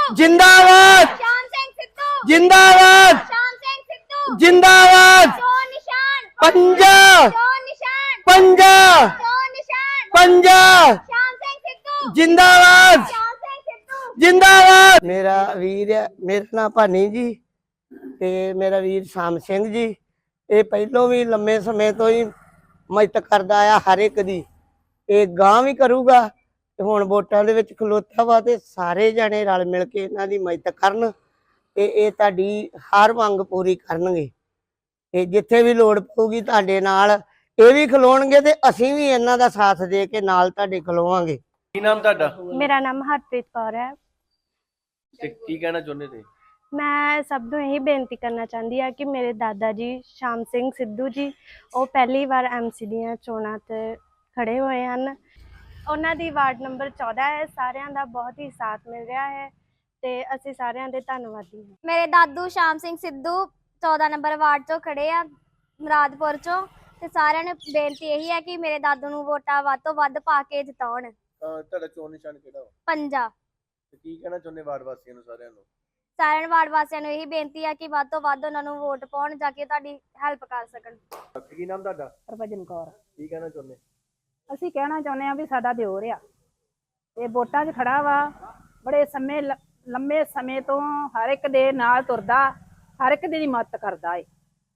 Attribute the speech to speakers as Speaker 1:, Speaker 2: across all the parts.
Speaker 1: जिंदाबाद
Speaker 2: श्याम सिंह सिद्धू
Speaker 1: जिंदाबाद
Speaker 2: श्याम सिंह सिद्धू
Speaker 1: जिंदाबाद
Speaker 2: चोर निशान
Speaker 1: पंजा
Speaker 2: चोर निशान
Speaker 1: पंजा
Speaker 2: चोर निशान
Speaker 1: पंजा
Speaker 2: श्याम सिंह सिद्धू
Speaker 1: जिंदाबाद
Speaker 2: श्याम सिंह सिद्धू
Speaker 1: जिंदाबाद। मेरा वीर है, मेरा नाम भानी जी ते मेरा वीर शाम सिंह जी। ये पहलों भी लंबे समय तो ही मदद करता आया हर एक दी, ये गांव भी करूगा। ਹੁਣ ਵੋਟਾਂ ਦੇ ਵਿੱਚ ਖਲੋਤਾ ਵਾ ਤੇ ਸਾਰੇ ਜਣੇ ਰਲ ਮਿਲ ਕੇ ਇਹਨਾਂ ਦੀ ਮਦਦ ਕਰਨ ਤੇ ਇਹ ਤੁਹਾਡੀ ਹਰ ਮੰਗ ਪੂਰੀ ਕਰਨਗੇ ਤੇ ਜਿੱਥੇ ਵੀ ਲੋੜ ਪਊਗੀ ਤੁਹਾਡੇ ਨਾਲ ਇਹ ਵੀ ਖਲੋਣਗੇ ਤੇ ਅਸੀਂ ਵੀ ਇਹਨਾਂ ਦਾ ਸਾਥ ਦੇ ਕੇ ਨਾਲ ਤੁਹਾਡੇ ਖਲੋਵਾਂਗੇ।
Speaker 3: ਕੀ ਨਾਮ ਤੁਹਾਡਾ
Speaker 4: ਮੇਰਾ ਨਾਮ ਹਰਪ੍ਰੀਤ ਕੌਰ ਹੈ।
Speaker 3: ਤੇ ਕੀ ਕਹਿਣਾ ਚਾਹੁੰਦੇ ਤੇ?
Speaker 4: ਮੈਂ ਸਭ ਨੂੰ ਇਹੀ ਬੇਨਤੀ ਕਰਨਾ ਚਾਹੁੰਦੀ ਹਾਂ ਕਿ ਮੇਰੇ ਦਾਦਾ ਜੀ ਸ਼ਾਮ ਸਿੰਘ ਸਿੱਧੂ ਜੀ ਉਹ ਪਹਿਲੀ ਵਾਰ ਐਮਸੀ ਦੀਆਂ ਚੋਣਾਂ ਤੇ ਖੜੇ ਹੋਏ ਹਨ। ਉਹਨਾਂ ਦੀ ਵਾਰਡ ਨੰਬਰ 14 ਹੈ। ਸਾਰਿਆਂ ਦਾ ਬਹੁਤ ਹੀ ਸਾਥ ਮਿਲ ਰਿਹਾ ਹੈ ਤੇ ਅਸੀਂ ਸਾਰਿਆਂ ਦੇ ਧੰਨਵਾਦੀ ਹਾਂ।
Speaker 2: ਮੇਰੇ ਦਾਦੂ ਸ਼ਾਮ ਸਿੰਘ ਸਿੱਧੂ 14 ਨੰਬਰ ਵਾਰਡ ਤੋਂ ਖੜੇ ਆ ਮੁਰਾਦਪੁਰ ਚੋਂ ਤੇ ਸਾਰਿਆਂ ਨੂੰ ਬੇਨਤੀ ਇਹੀ ਹੈ ਕਿ ਮੇਰੇ ਦਾਦੂ ਨੂੰ ਵੋਟਾਂ ਵੱਧ ਤੋਂ ਵੱਧ ਪਾ ਕੇ ਜਿਤਾਉਣ।
Speaker 3: ਤੁਹਾਡਾ ਚੋਣ ਨਿਸ਼ਾਨ ਕਿਹੜਾ ਵਾ?
Speaker 2: ਪੰਜਾ।
Speaker 3: ਤੇ ਕੀ ਕਹਿਣਾ ਚਾਹੁੰਦੇ ਵਾਰਡ ਵਾਸੀਆਂ ਨੂੰ ਸਾਰਿਆਂ ਨੂੰ?
Speaker 2: ਸਾਰਿਆਂ ਵਾਰਡ ਵਾਸੀਆਂ ਨੂੰ ਇਹੀ ਬੇਨਤੀ ਹੈ ਕਿ ਵੱਧ ਤੋਂ ਵੱਧ ਉਹਨਾਂ ਨੂੰ ਵੋਟ ਪਾਉਣ ਜਾ ਕੇ ਤੁਹਾਡੀ ਹੈਲਪ ਕਰ ਸਕਣ।
Speaker 3: ਕੀ ਨਾਮ ਤੁਹਾਡਾ?
Speaker 5: ਹਰਭਜਨ ਕੌਰ।
Speaker 3: ਕੀ ਕਹਿਣਾ ਚਾਹੁੰਦੇ?
Speaker 5: ਅਸੀਂ ਕਹਿਣਾ ਚਾਹੁੰਦੇ ਆ ਵੀ ਸਾਡਾ ਦਿਓਰ ਆ ਤੇ ਵੋਟਾਂ 'ਚ ਖੜਾ ਵਾ, ਬੜੇ ਲੰਮੇ ਸਮੇਂ ਤੋਂ ਹਰ ਇੱਕ ਦੇ ਨਾਲ ਤੁਰਦਾ, ਹਰ ਇੱਕ ਦੀ ਮਦਦ ਕਰਦਾ ਏ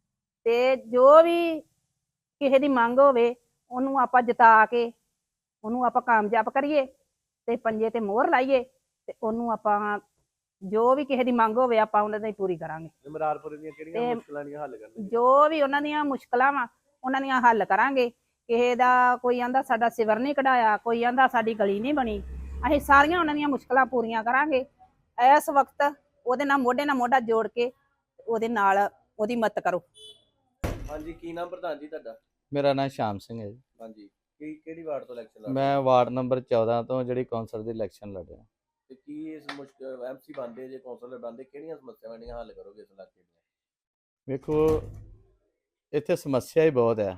Speaker 5: ਤੇ ਜੋ ਵੀ ਕਿਸੇ ਦੀ ਮੰਗ ਹੋਵੇ ਉਹਨੂੰ ਆਪਾਂ ਜਿਤਾ ਕੇ ਉਹਨੂੰ ਆਪਾਂ ਕਾਮਯਾਬ ਕਰੀਏ ਤੇ ਪੰਜੇ ਤੇ ਮੋਹਰ ਲਾਈਏ ਤੇ ਉਹਨੂੰ ਆਪਾਂ ਜੋ ਵੀ ਕਿਸੇ ਦੀ ਮੰਗ ਹੋਵੇ ਆਪਾਂ ਉਹਨਾਂ ਦੀ ਪੂਰੀ ਕਰਾਂਗੇ।
Speaker 3: ਮੁਰਾਦਪੁਰ ਦੀਆਂ ਕਿਹੜੀਆਂ ਮੁਸ਼ਕਲਾਂ ਦੀਆਂ ਹੱਲ ਕਰਨਗੇ?
Speaker 5: ਜੋ ਵੀ ਉਹਨਾਂ ਦੀਆਂ ਮੁਸ਼ਕਲਾਂ ਵਾ ਉਹਨਾਂ ਦੀਆਂ ਹੱਲ ਕਰਾਂਗੇ। ਕਿਸੇ ਦਾ ਕੋਈ ਆਂਦਾ ਸਾਡਾ ਸਿਵਰ ਨਹੀਂ ਕਢਾਇਆ, ਕੋਈ ਆਂਦਾ ਸਾਡੀ ਗਲੀ ਨਹੀਂ ਬਣੀ, ਅਸੀਂ ਸਾਰੀਆਂ ਉਹਨਾਂ ਦੀਆਂ ਮੁਸ਼ਕਲਾਂ ਪੂਰੀਆਂ ਕਰਾਂਗੇ। ਇਸ ਵਕਤ ਉਹਦੇ ਨਾਲ ਮੋਢਾ ਜੋੜ ਕੇ ਉਹਦੇ ਨਾਲ ਉਹਦੀ ਮਦਦ ਕਰੋ।
Speaker 3: ਹਾਂਜੀ, ਕੀ ਨਾਮ ਪ੍ਰਧਾਨ ਜੀ ਤੁਹਾਡਾ?
Speaker 6: ਮੇਰਾ ਨਾਮ ਸ਼ਾਮ ਸਿੰਘ ਹੈ ਜੀ।
Speaker 3: ਹਾਂਜੀ, ਕਿਹੜੀ ਵਾਰਡ ਤੋਂ ਇਲੈਕਸ਼ਨ ਲੜ ਰਹੇ?
Speaker 6: ਮੈਂ ਵਾਰਡ ਨੰਬਰ 14 ਤੋਂ ਜਿਹੜੀ ਕੌਂਸਲ ਦੀ ਇਲੈਕਸ਼ਨ ਲੜ ਰਿਹਾ।
Speaker 3: ਤੇ ਕੀ ਇਸ ਮੁਸ਼ਕਲ ਐਮਸੀ ਬਣਦੇ ਜੇ ਕੌਂਸਲਰ ਬਣਦੇ ਕਿਹੜੀਆਂ ਸਮੱਸਿਆਵਾਂ ਦੀਆਂ ਹੱਲ ਕਰੋਗੇ ਇਸ ਇਲਾਕੇ ਦੀਆਂ?
Speaker 6: ਵੇਖੋ ਇੱਥੇ ਸਮੱਸਿਆ ਹੀ ਬਹੁਤ ਹੈ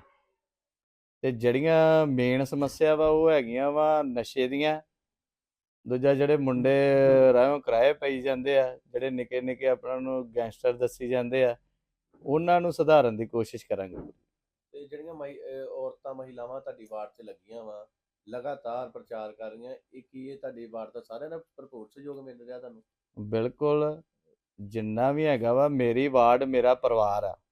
Speaker 6: ਤੇ ਜਿਹੜੀਆਂ ਮੇਨ ਸਮੱਸਿਆ ਵਾ ਉਹ ਹੈਗੀਆਂ ਵਾ ਨਸ਼ੇ ਦੀਆਂ। ਦੂਜਾ ਜਿਹੜੇ ਮੁੰਡੇ ਰਾਹੋਂ ਕਿਰਾਏ ਪਈ ਜਾਂਦੇ ਆ, ਜਿਹੜੇ ਨਿੱਕੇ ਨਿੱਕੇ ਆਪਣਾ ਨੂੰ ਗੈਂਗਸਟਰ ਦੱਸੀ ਜਾਂਦੇ ਆ, ਉਹਨਾਂ ਨੂੰ ਸੁਧਾਰਨ ਦੀ ਕੋਸ਼ਿਸ਼ ਕਰਾਂਗੇ।
Speaker 3: ਤੇ ਜਿਹੜੀਆਂ ਔਰਤਾਂ ਮਹਿਲਾਵਾਂ ਤੁਹਾਡੀ ਵਾਰਡ 'ਚ ਲੱਗੀਆਂ ਵਾ ਲਗਾਤਾਰ ਪ੍ਰਚਾਰ ਕਰ ਰਹੀਆਂ, ਇਹ ਕੀ ਇਹ ਤੁਹਾਡੀ ਵਾਰਡ ਦਾ ਸਾਰਿਆਂ ਦਾ ਭਰਪੂਰ ਸਹਿਯੋਗ ਮਿਲ ਰਿਹਾ ਤੁਹਾਨੂੰ?
Speaker 6: ਬਿਲਕੁਲ, ਜਿੰਨਾ ਵੀ ਹੈਗਾ ਵਾ ਮੇਰੀ ਵਾਰਡ ਮੇਰਾ ਪਰਿਵਾਰ ਆ,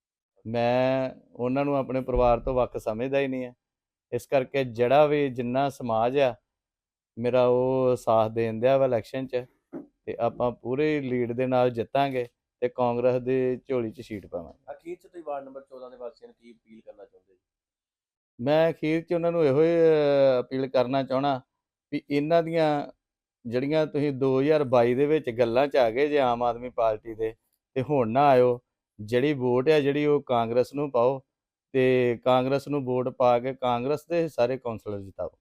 Speaker 6: ਮੈਂ ਉਹਨਾਂ ਨੂੰ ਆਪਣੇ ਪਰਿਵਾਰ ਤੋਂ ਵੱਖ ਸਮਝਦਾ ਹੀ ਨਹੀਂ ਹੈ। ਇਸ ਕਰਕੇ ਜਿਹੜਾ ਵੀ ਜਿੰਨਾ ਸਮਾਜ ਆ ਮੇਰਾ ਉਹ ਸਾਥ ਦੇਣ ਦਿਆ ਵਾ ਇਲੈਕਸ਼ਨ 'ਚ ਤੇ ਆਪਾਂ ਪੂਰੇ ਲੀਡ ਦੇ ਨਾਲ ਜਿੱਤਾਂਗੇ ਤੇ ਕਾਂਗਰਸ ਦੀ ਝੋਲੀ 'ਚ ਸੀਟ ਪਾਵਾਂਗੇ।
Speaker 3: ਅਖੀਰ 'ਚ ਤੁਸੀਂ ਵਾਰਡ ਨੰਬਰ 14 ਦੇ ਵਾਸੀਆਂ ਨੂੰ ਕੀ ਅਪੀਲ ਕਰਨਾ ਚਾਹੁੰਦੇ ਜੀ?
Speaker 6: ਮੈਂ ਅਖੀਰ 'ਚ ਉਹਨਾਂ ਨੂੰ ਇਹੋ ਹੀ ਅਪੀਲ ਕਰਨਾ ਚਾਹਣਾ ਵੀ ਇਹਨਾਂ ਦੀਆਂ ਜਿਹੜੀਆਂ ਤੁਸੀਂ 2022 ਦੇ ਵਿੱਚ ਗੱਲਾਂ 'ਚ ਆ ਗਏ ਜੇ ਆਮ ਆਦਮੀ ਪਾਰਟੀ ਦੇ, ਤੇ ਹੁਣ ਨਾ ਆਇਓ। ਜਿਹੜੀ ਵੋਟ ਹੈ ਜਿਹੜੀ ਉਹ ਕਾਂਗਰਸ ਨੂੰ ਪਾਓ ਤੇ ਕਾਂਗਰਸ ਨੂੰ ਵੋਟ ਪਾ ਕੇ ਕਾਂਗਰਸ ਦੇ ਸਾਰੇ ਕੌਂਸਲਰ ਜਿਤਾਓ।